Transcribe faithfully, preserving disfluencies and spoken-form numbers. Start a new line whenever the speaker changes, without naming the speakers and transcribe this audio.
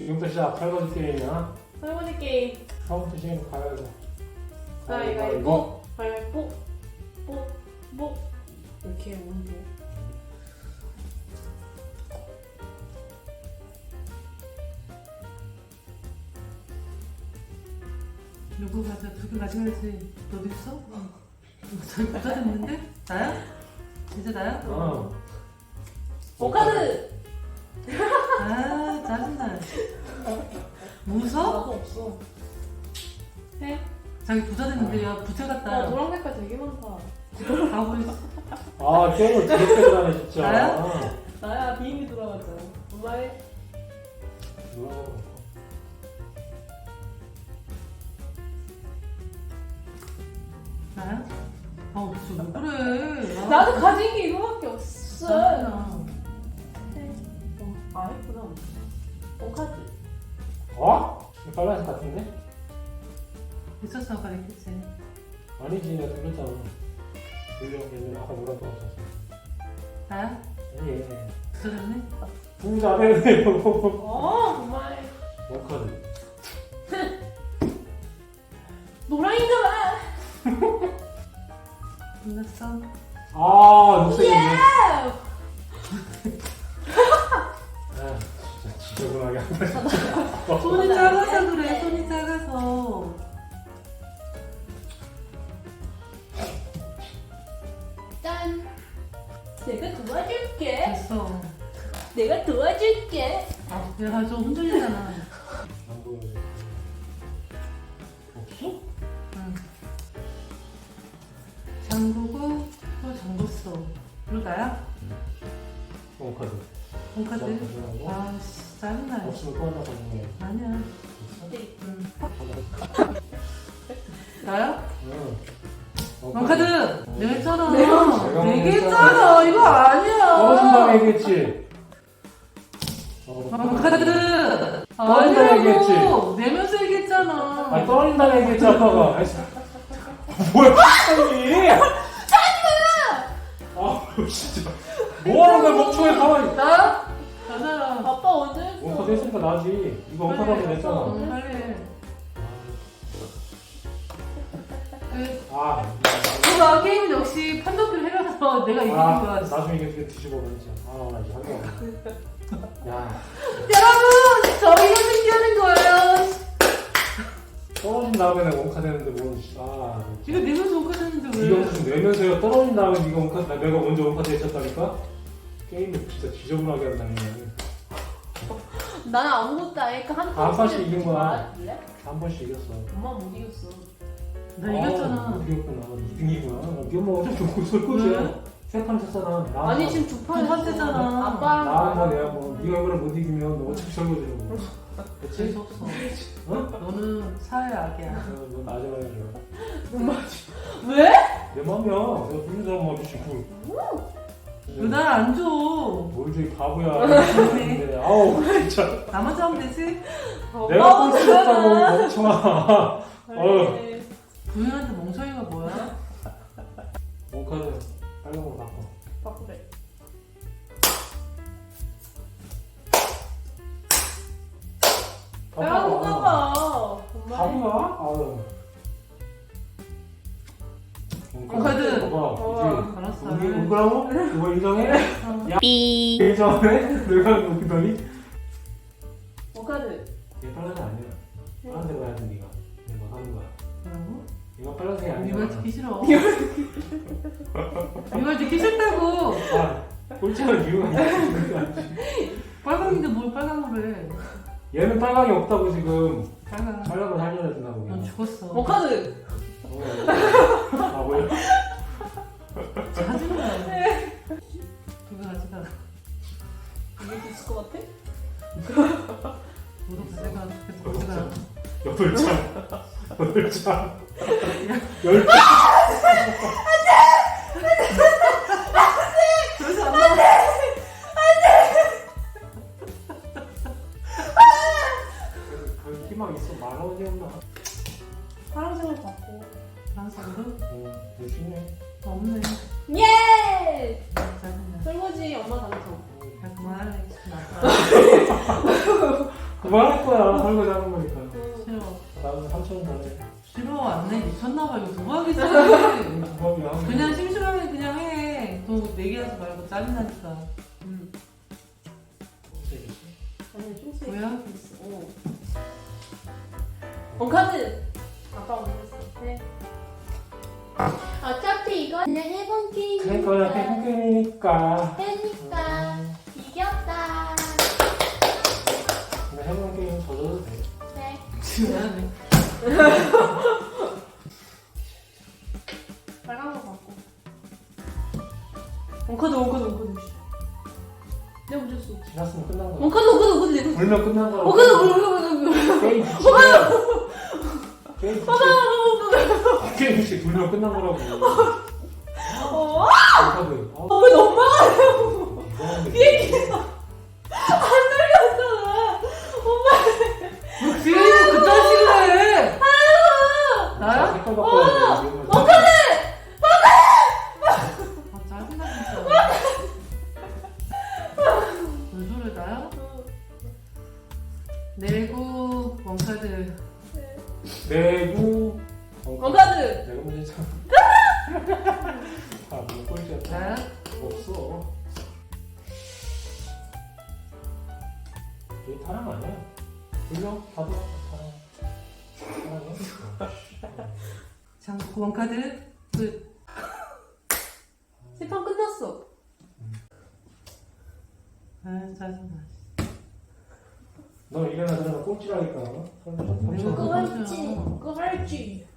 지금부터 시작. 설거지 게임이야.
설거지 게임.
처음부터 시작해서 가야죠.
가위바위보. 가위바위보. 뽀. 뽀. 이렇게 온도.
누구 가져? 두개 가져야지. 너도 있어? 어. 저기 부자 됐는데? 나야? 진짜 나야?
어.
오카드.
아 짜증나. 무서?
나도 없어. 해?
자기 부자 됐는데 야 부자
아
같다.
노란 색깔 되게 많다.
가고 있어.
아, 게임을 되게 잘하네, 진짜.
나야?
나야 비행기 돌아갔잖아. 엄마 해.
뭐야.
나야? 아 진짜 왜 그래? 아,
나도 가진 게 이거밖에 없어.
짜증나.
해. 어, 아 했구나. 오카드.
어? 이거 빨간색 같은데?
있었어 아까 있겠지.
아니지, 내가 돌렸잖아. 돌렸는데 아까 노란 거 없었어.
나야?
아니,
부자 됐네?
부자 되네요.
어 정말.
원카드.
노랑인가 봐.
끝났어?
아, 녹색이네.
예!
아, 진짜 지저분하게 한다.
손이 작아서 그래. 손이 작아서.
짠. 내가 도와줄게.
됐어.
내가 도와줄게.
아 내가 좀 흔들리잖아.
안 보여줘. 없어?
응. 잠그고 또 잠궜어. 이거 나야?
원카드.
본카드?
원카드라고?
아씨 짜증나.
없으면 또 하나 가지고.
아니야.
네.
응. 나야?
응.
본카드! 내가 했잖아.
내가
내가 했잖아. 이거 아니야.
떨어진다고 얘기했지? 어,
본카드!
떨어진다고 얘기했지?
아니라고. 내면서 얘기했잖아.
아, 떨어진다고 얘기했지, 아빠가. 아이씨. 뭐야, 빨리! 아, 진짜. 뭐하는 거야, 멍청해, 가만히.
나야? 나잖아.
아빠 언제 했어?
원카드 했으니까 나지. 이거 원카드 하면 됐잖아.
응, 빨리 해. 그,
아,
이거 게임 역시 판독을 해라서 내가 이기는
아,
거야.
나중에 이게 뒤집어 버리지. 아, 나 이제 한 거. 야,
여러분! 저 이거 생기는 거예요.
떨어진 다음에 내가 원카드 했는데 뭐, 아.
이거 내면서 오가졌는데 왜?
이거 무슨 내면서요. 떨어진 다음에 네가 원카드, 나- 내가 먼저 원카드 했었다니까? 게임을 진짜 지저분하게 한다는 거야.
나는 아무것도 안 했고 한
한 번씩 이긴 거야.
말할래?
한 번씩 이겼어.
엄마 못 이겼어.
나 이겼잖아.
아, 이겼구나. 이 등이구나. 네 엄마 어차피 좋고 설거지야.
왜?
세판 쳤잖아. 나,
아니 지금 두 판
두판 했잖아.
아빠랑
나랑 내가 뭐, 네가 이거를 못 이기면 너 어차피 설거지라고. 그치?
재수 없어.
어?
너는 사회 악이야.
어, 너 마지막에 줘.
엄마 왜?
내 맘이야. 내가 무슨 사람 마주치 그.
왜 날 안 줘?
뭘 저기 바보야. 근데 아우 진짜.
나만 잡으면 되지?
내가 꼴찌 했다고 멍청아. 어.
그래.
부인한테 멍청이가 뭐야?
원카드 빨간거 바꿔.
바꾸래. 야 누가 봐. 엄마.
바보야? 아유.
원카드.
봐봐.
어.
이제
알았어.
우리 울거라고? 이거 인정해?
삐.
인정해? 내가 웃기더니
오카드.
얘 빨간색 아니야. 빨간색 가야 돼 니가. 내가 뭐 하는 거야.
뭐라고?
이거 빨간색이
네
아니야.
말 듣기 싫어. 네 말 듣기 싫다고.
아, 꼴찌하는 이유가 있지.
빨강인데 뭘 빨강으로 해?
얘는 빨강이 없다고 지금.
빨강.
빨강을 살려야 된다고.
넌 죽었어.
오카드.
어. 아 뭐야?
짜증나. 두개 가져가.
이게 있을 것 같아?
너도 가져가. 계속 가져가.
여덟 장. 여덟 장. 열 장.
그래서 안 나와.
그 희망 있어. 만 원이었나?
파란색으로 바꿔.
방송으로?
어, 열심히
없네.
예!
짜증나.
설거지 엄마 당첨.
야 그만할래.
그만 뭐 할 거야? 설거지 하는 거니까.
싫어.
나는 삼천 원 달래.
싫어 안 내. 미쳤나봐. 이거 도박이지.
부업이야.
그냥 심심하면 그냥 해. 또 내기하지 말고 짜증나니까. 응.
아니 춤추기
뭐야?
있어. 어. 원카드. 아빠 먼저 했어. 네. 어차피 이거 그냥 해본 게임이니까.
그러니까 그냥 게임이니까.
해니까 이겼다.
그냥 해본 게임 져줘도 돼.
네.
미안해.
빨간 거 갖고. 원카드 원카드 원카드. 내가 먼저 했어.
지났으면 끝난 거야.
원카드 원카드 원카드 내가.
불면 끝난 거야.
원카드 원카드 원카드.
게임 지치면 게임 지치면 게임 지 불면 끝난 거라고.
어?
카드.
어, 왜 엄마가 비행기에서 안 날렸잖아. 엄마.
비행기 그딴 식으로 해. 나야?
색깔 바꿔야 돼.
원카드.
아 짜증나 진짜. 뭔 소리야 나야? 내구 원카드.
내구
원카드.
내가 문제 참. 아, 뭐 꼴찌야.
나야?
없어. 얘 타랑 아니야. 불려 봐도 타랑. 타랑이야.
장 원카드 끝.
세 판 끝났어.
아 짜증나.
너 일어나 들어나 꼴찌라니까.
내가
그거
그거죠.
할지. 그거 할지.